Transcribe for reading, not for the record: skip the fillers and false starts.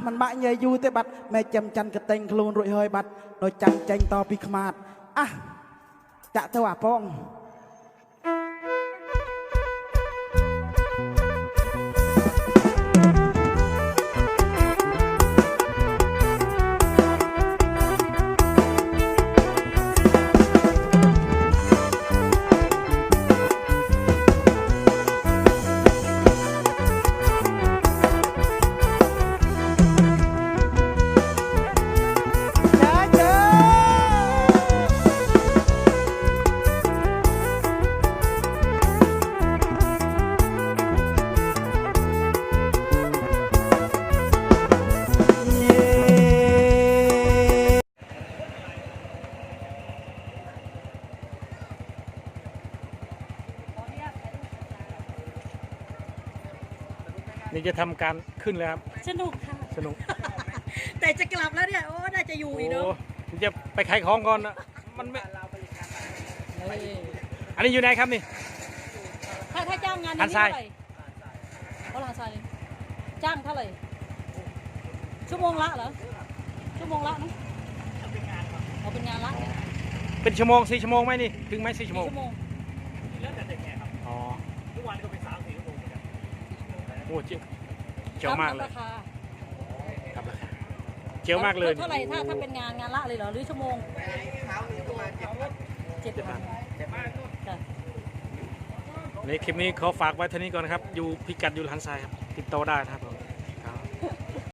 มันบ้าเยยยูเตบัดแม่จำจันกระเต็งคลูนรวยเฮยบัดโดยจังเจงต่อปีขมาดอ่ะจะเทว่าป้องนี่จะทำการขึ้นแล้วครับสนุกค่ะสนุกแต่จะกลับแล้วเนี่ยโอ้น่าจะอยู่อีกเนาะโอ้จะไปขายของก่อนนะมันไม่อันนี้อยู่ไหนครับนี่ถ้าจ้างงานนี้เท่าไหร่เขาลาซายจ้างเท่าไหร่ชั่วโมงละเหรอชั่วโมงละเนาะเอาเป็นงานละเนี่ยเป็นชั่วโมง4 ชั่วโมงไหมนี่ถึงไหม4 ชั่วโมงชั่วโมงแล้วแต่เด็กไงครับอ๋อทุกวันก็เป็น3-4 ชั่วโมงเหมือนกันโอ้เจ๋วมากเลยราคาครับราคาเจ๋วมากเลยเท่าไหร่ถ้าเป็นงานละเลยเหรอหรือชั่วโมง7 วันค่ะในคลิปนี้ขอฝากไว้เท่านี้ก่อนนะครับอยู่พิกัดอยู่หันทรายครับติดต่อได้นะครับผม